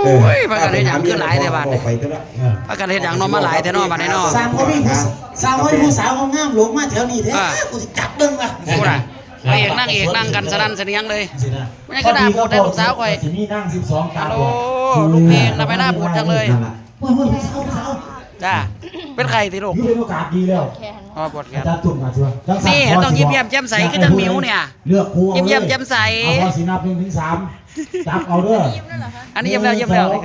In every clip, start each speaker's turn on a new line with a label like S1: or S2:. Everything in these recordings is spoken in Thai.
S1: ยพากันเฮ็ดหยังขึ้นหลายแต่บาดพากันเฮ็ดหยังนอนมาหลายแต่นอนบาดนี้เนาะ
S2: สร้างเขามีสร้างเขามีผู้สาวงามหลงมาแถวนี้แท้กูจะจับดึงอ่ะ
S1: กูน่ะพระเอกนั่งกันสนั่นเสนียงเลยไม่ใช่ก็ด่าบูดได้ลูกสาวข่อยฮัลโหลลูกเพลงทำไมหน้าบูดจังเลยจ้าเป็นใครสิลูก
S3: อยู่ในโอกาสดีแล้ว
S1: อ๋อปวดแขน
S3: อาจารย์ตุ่มมาชัวร์
S1: นี่ต้องยิ้มแย้มแจ่มใสคือจังหมิวเนี่ย
S3: เลือกครู
S1: ยิ้มแย้มแจ่มใส
S3: เอาพอสีนับ1 ถึง 3จับเอาเด้อ
S1: อันนี้ยิ้มแล้วโอเคยิ้มแล้ว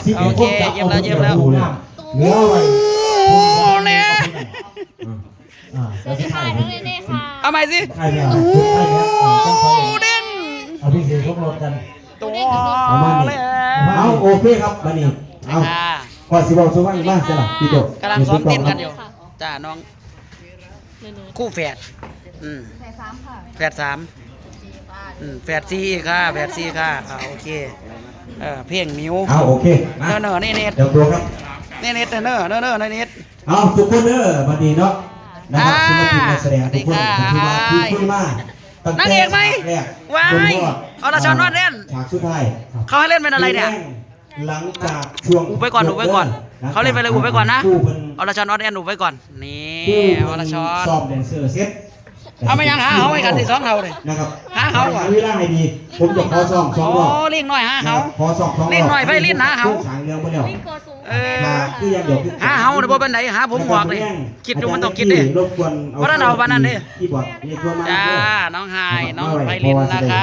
S3: เหลือไว้
S1: โอ้เนี่ย
S4: สวัสดีค่ะน้องเนเน่ค่ะ
S1: เอาใหม่สิ
S3: ใครเนี่ย
S1: เด้ง
S3: เอาพี่เสือพวกเรากัน
S1: ตัวเลย
S3: เอาโอเคครับมานี่เอาก่อนสิบอกสุวรรณมากจ้ะพี่โต
S1: กำลังซ้อมเต้นกันอยู่จ้าน้องคู่แฝด
S4: แฝด 3ค่ะ
S1: แฝด 3แฝด 4ค่ะแฝด 4ค่ะโอเคเพลงมิว
S3: เอาโอเค
S1: เนอนี่เน็ต
S3: เดี๋ยวตัวครับ
S1: นี่เน็ตเนอเน็ต
S3: เอาทุกคนเด้อมาดีเนาะนะครับศิลปินนักแสดงทุกคนที่มาคุยมา
S1: นั่งเอกไหมว้ายอรชรวาดเล่น
S3: ฉากสุดท้าย
S1: เขาให้เล่นเป็นอะไรเนี่ย
S3: หลังจากช่วง
S1: อุบไว้ก่อนเขาเล่นไปเลยอุบไว้ก่อนนะอรชรวาดเล่นอุบไว้ก่อนนี่อรชร
S3: ซ้อมแดนเซอร์เซ็ต
S1: เอาไม่ยังหาเขาให้กันที่2 เท่าเลย
S3: นะครับ
S1: หาเขาก่อน
S3: เวลาให้ดีผมจะขอซ้อม2 รอบ
S1: เลี้ยงหน่อยหาเขา
S3: ขอซ้อม2 รอบ
S1: เลี้ยงหน่อยไปเลี้ยงหาเขา
S3: ฉางเรื่องไปแล้ว
S1: คือยังเดี๋ยวหาเขาเดี๋ยวเป็นไหนหาผมหอกเลยคิดดูมันต้องคิดดิเพราะนั่นเอาบ้านนั่นดิจ้าน้องไฮน้องไพลินนะคะ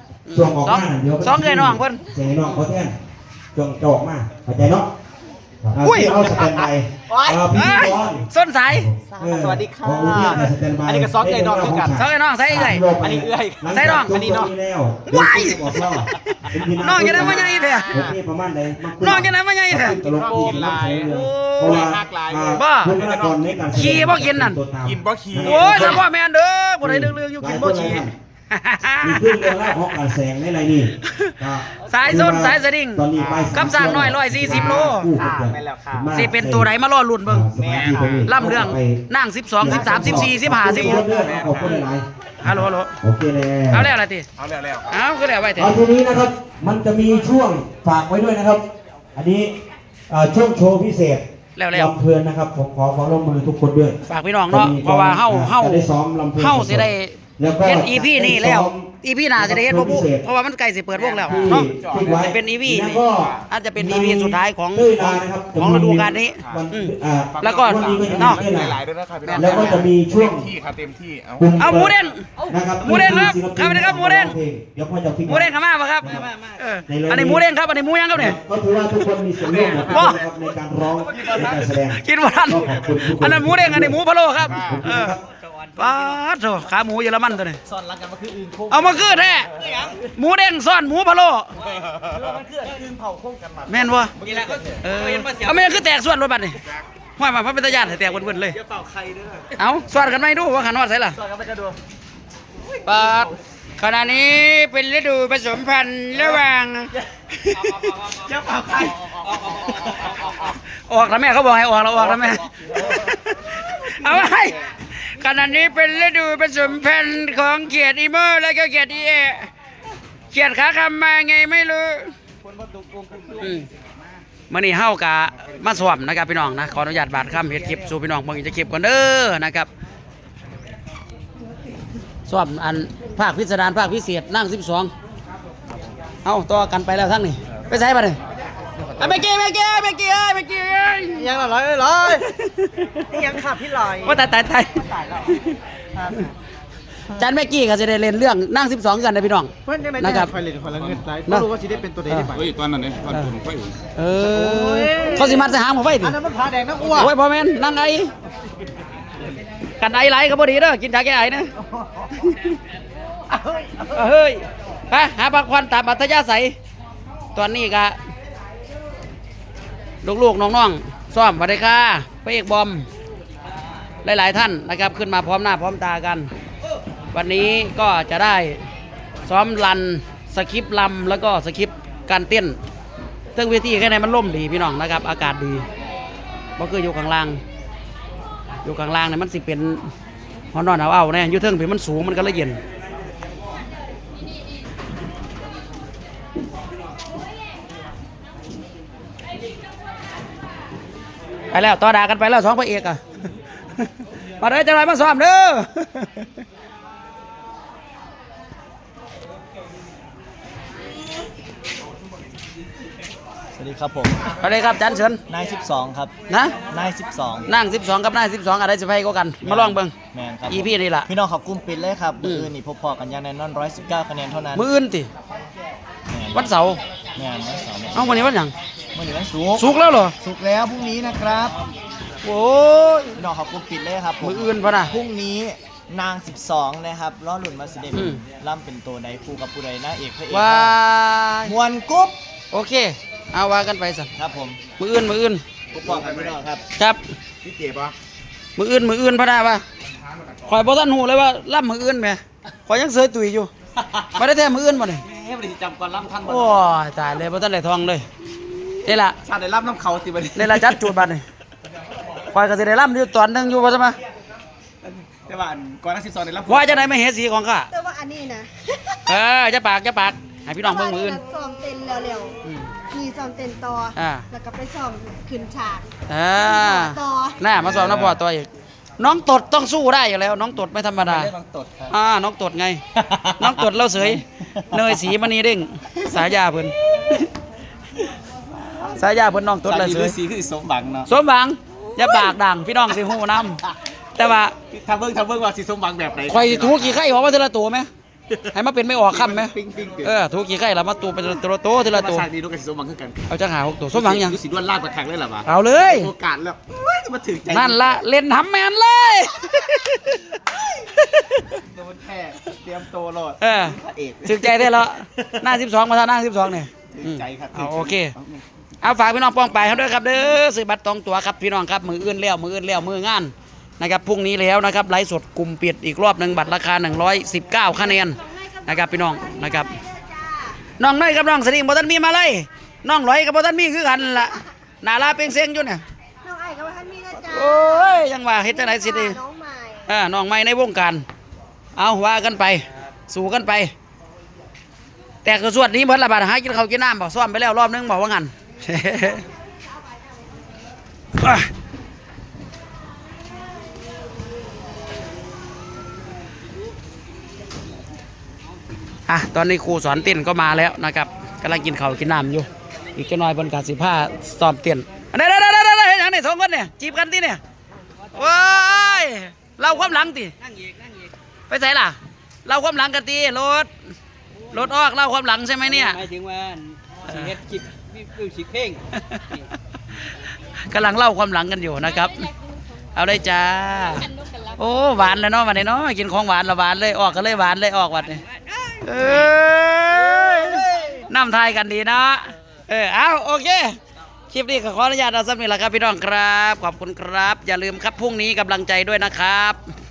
S1: 2เลยน้องเพิ่น
S3: เสียงน้องเขาแทนจงจอกมาเข้าใจเนาะเอาสแตนบายพี่บอล
S1: ส้นสาย
S2: สวัสดีค่ะ
S3: อันนี้ก็ซอกเลยน้อง
S1: กันซอกเลยน้องใส่เลย
S2: อันนี้เอื้อย
S1: ใส่น้อง
S3: อันนี้น้อง
S1: วายน้องจะได้มาใหญ่เถอะน้องจะได้มาใหญ่เถอะ
S3: เพราะว่า
S1: บ้าขี่บ่กินนั่น
S2: กินบ่ขี่
S1: โอ้ยสพ่อแม่เด้อบ่ได้เรื่องอยู่กินบ่ขี่
S3: มีขึ้นเรื่องแล้วออกการแสงในไรนี่
S1: สายส้นสายสดิ่งกับสร้างน้อย140 โลสิเป็นตัวไหนมาล่อลุ่นเบิ่งล่ำเรื่องนั่ง12 13 14 15 16
S3: ขอบคุณหลาย
S1: ฮัลโหล
S3: โอเคเลย
S1: เอาแล้วอะไรติเอาคือแล้วไว้เถอะ
S3: ทีนี้นะครับมันจะมีช่วงฝากไว้ด้วยนะครับอันนี้ช่วงโชว์พิเศษ
S1: แล้ว
S3: ลำเพลินนะครับผมขอความร่วมมือทุกคนด้วย
S1: ฝากพี่น้องเนาะเพราะว่าเฮา
S3: ได้ซ้อมลำเพลิน
S1: เฮาสิได้เฮ็ด EP นี่แล้ว EP หน้าจะได้เฮ็ดบ่ปุ๊เพราะว่ามันใกล้สิเปิดวงแล้วเนาะจะเป็น EP นี่อาจจะเป็น EP สุดท้ายของฤดูกาลนี้แล้วก็เนาะ
S3: แล้วก็จะมีช่วง
S2: เต็มที่
S1: เอาหมูเด้ง
S3: นะครับ
S1: หมูเด้งครับครับนี่ครับหมูเด้ง
S3: เดี๋ยวพ่อจะ
S1: หมูเด้งเข้ามาป่ะครับอันนี้หมูเด้งครับอันนี้หมูยังครับเนี่ย
S3: ก็ถือว่าทุกคนมีส่วนร่วมในการร้องในการแสดง
S1: กินบ่ทันอันนั้นหมูเด้งอันนี้หมูพะโล้ครับป้าโถขาหมูเยอรมันตัวนี้
S2: ซ่อนรักกันมาคืออื่นโค้ง
S1: เอามาคือแท้หมูเด้งซ่อนหมูพะโล้
S2: มันคืออื่นเผาโค้งกันมา
S1: แม่นบ่เอาไม่คือแตกส่วนรถบัสนี่ห้อยมาพระเป็นตาญาติแตกเบิ่นๆเลยเอาส่วนกันไหมดูว่าขันฮอดใส่ล่ะปาดขณะนี้เป็นฤดูผสมพันธุ์ระหว่าง
S2: เจ้าเป่าใคร
S1: ออกแล้วแม่เขาบอกให้ออกแล้วออกแล้วแม่เอาไว้ขณะนี้เป็นฤดูผสมพันธุ์ของเขียดอีโมและก็เขียดอีเอเขียดขาคำมาไงไม่รู้มื่อนี้เฮากะมาสวมนะครับพี่น้องนะขออนุญาตบาดคำเฮ็ดคลิปสู่พี่น้องเบิ่งจะคลิปก่อนเด้อนะครับสวมอันภาคพิสดารภาคพิเศษนั่ง12เอาต่อกันไปแล้วทั้งนี้ไปใส่มาเลยเมื่อกี้
S2: ยังร้อยยังขาดพี่ลอย
S1: ว่าตายจันเมื่อกี้ก็จะได้เล่นเรื่องนั่ง12กันนะพี่น้อง
S2: นะครับไฟเล่นคนละเงินไม่รู้ว่าจะได้เป็นตัวใดได้ไหม
S5: ตอนนั้นเนี่ยตอนผมไฟ
S1: เขาสิมัดสหางของไฟดิ
S2: อันนั้นมันผาแดงนักอ้วน
S1: โอ้ยพ่อแม่นั่งไงกันไอไหลก็พอดีเด้อกินชาแก้ไอนะเฮ้ยไปหาพักผ่อนตามอัธยาศัยตอนนี้ก็ลูกๆน้องๆซ้อมสวัสดีค่ะพระเอกบอมหลายๆท่านนะครับขึ้นมาพร้อมหน้าพร้อมตากันวันนี้ก็จะได้ซ้อมรันสคริปต์ลำแล้วก็สคริปต์การเต้นเรื่องเวทีแค่ไหนมันล่มดีพี่น้องนะครับอากาศดีเพราะคืออยู่ข้างล่างเนี่ยมันสิเป็นหอนอนเอาเนี่ยอยู่เทิงเพียมันสูงมันก็เลยเย็นไปแล้วต่อด่ากันไปแล้วสองพระเอกอ่ะ มาเด้อจะไรมาซ้อมเด้อ
S5: สวัสดีครับผม
S1: สวัสดีครับจันเฉิน
S5: นาย12 ครับ
S1: นะ
S5: นาย12
S1: นั่ง12กับนั่ง12อะไรสิไปก็กันมาลองเบิ่ง
S5: แมนครับ
S1: อีพี่นี่ล่ะ
S5: พี่น้องขอบกลุ้มปิดเลยครับมืออื่นนี่พบพอกันอย่างแน่นอน119 คะแนนเท่านั้น
S1: มื้ออื่นติ
S5: แม่น
S1: วันเสาร์
S5: แมนวันเสาร์
S1: เอ้าวันนี้วันหยัง
S5: วันนี้วันศุกร์
S1: สุกร์แล้วเหรอ
S5: ศุกร์แล้วพรุ่งนี้นะครับ
S1: โอ้ย
S5: พี่น้องขอบกลุ้มปิดเลยครับผม
S1: มื้ออื่นพะนะ
S5: พรุ่งนี้นาง 12 นะครับล้อหลุนมาสิเด
S1: อืม
S5: ล่ำเป็นตัวใดคู่กับผู้ใดนางเอกพระเอก
S1: ว้าย
S5: มวนกุ๊บ
S1: โอเคเอาว่ากันไปสั่น
S5: ครับผม
S1: มื้ออื่น
S5: พบพอกันพี่น้องครับ
S1: ครับ
S3: พี่เจ็บปะ
S1: มื้ออื่นพะนะว่าข่อยบ่ทันฮู้เลยว่าล่ำมื้ออื่นแหมข่อยยังเสยตุยอยู่บ่ได้แท้มื้ออื่นบ่นี่
S5: เฮ้ยบริจำก่อนล่ำท่าน
S1: โอ้ยตายเลยบ่ทันได้ทองเลยนี่ล่ะ
S5: ชาติได้ล่ำน้ำเขาติบัดนี้
S1: นี่ล่ะจัดจูดบัดนี่ข่อยก็สิได้ล่ำอยู่ตอนหนึงอยู่ว่าซั่นมา
S5: แต่ว่าก่อนนัก12ได้ล่ำ
S1: ว่าจะได้ไม่เห็นสีของข้า
S4: แต่ว่าอันนี้นะ
S1: จะปากให้พี่น้องเบิ่งมื้ออื่น
S4: ซ้อมเต้นเร็ว
S1: อืม
S4: ๆมีซ้อมเต้นต่ออา แล้วก็ไปซ้อมขึ้นฉาก ต่อ
S1: น่ามาสอบน้ำพอตัวอีกน้องตดต้องสู้ได้อยู่แล้ว น้องตดไม่ธรรมดา
S5: เรื่องตดครับ
S1: น้องตดไง น้องตดเล่าเสยเนยสีมณีเด้งสายาเพิ่นสายาเพิ่นน้องตดเล่าเสย
S5: สีคือสมหวังเนาะ
S1: สมหวังอย่าปากดังพี่น้องสิฮู้นํแต่ว่า
S5: ทำเบิ่งว่าสีสมหวังแบบไหน
S1: ข่อยถูกี่ไข่ออกมาทีละตัวไหมให้มาเป็นไม่ออกคำไหม
S5: ปิ้งปิ้ง
S1: ถูกี่ไข่แล้วมาตัวเป็นตัวโตทีละ
S5: มา
S1: ตัว
S5: ฉากนี้ดูกันสีสมหวังคือกัน
S1: เอาจังหา6ตัวสมหวังยัง
S5: ดูสีด้วนลาดประคังเลยเหรอวะ
S1: เอาเลย
S5: โอกาสแล้วเฮ้ยจะมาถึงใจ
S1: นั่นละเล่นทำแมนเลย
S5: โดนแค่เตรียมโตโลด พระเอก
S1: ถึงใจได้แล้วหน้า12มาทางหน้า12เนี่ย
S5: ถึงใจครับ
S1: เอาโอเคเอาฝากพี่น้องป้องไปเขาด้วยครับเด้อซื้อบัตรตองตั๋วครับพี่น้องครับมืออื่นแล้วมืองานนะครับพรุ่งนี้แล้วนะครับไลฟ์สดกลุ่มปิดอีกรอบหนึ่งบัตรราคา119คะแนนนะครับพี่น้องนะครับน้องน้อยกับน้องสลิงบ่ทันมีมาเลยน้องร้อยกับบ่ทันมีคือกันล่ะนาลาเป่งเซ็งอยู่เนี่ย
S4: น้องไอ้กับท่านมีนะจ๊ะ
S1: โอ้ยยังว่าเฮ็ดจังไดสิดี
S4: น้องใหม่
S1: น้องใหม่ในวงการเอาว่ากันไปสู่กันไป แต่คือสวดนี้เบิดละบาดหากินข้าวกินน้ำบอกซ้อมไปแล้วรอบนึงบอกว่างั้น ตอนนี้ครูสอนเต้นก็มาแล้วนะครับกำลังกินข้าวกินน้ำอยู่อีกจะน้อยบนกาสิผ้าซ้อมเต้นเด้เห็นอย่างนี้สองคนเนี่ยจีบกันที่เนี่ยว้ายเราความหลังตินั่งอีกไปใส่ล่ะเราความหลังกันตีรถออกเล่าความหลังใช่ไหมเนี่ย
S6: หมายถึงว่าสิเฮ็ดคลิปวิวสิเพลง
S1: กำลังเล่าความหลังกันอยู่นะครับ เอาได้จ้าโอ้หวานเลยเนาะวันนี้เนาะกินของหวานละหวานเลยออกกันเลยหวานเลยออกวัดนี่น้ำทายกันดีเนาะเอาโอเคคลิปนี้ขออนุญาตเอาสักนิดละครับพี่น้องครับขอบคุณครับอย่าลืมครับพรุ่งนี้กำลังใจด้วยนะครับ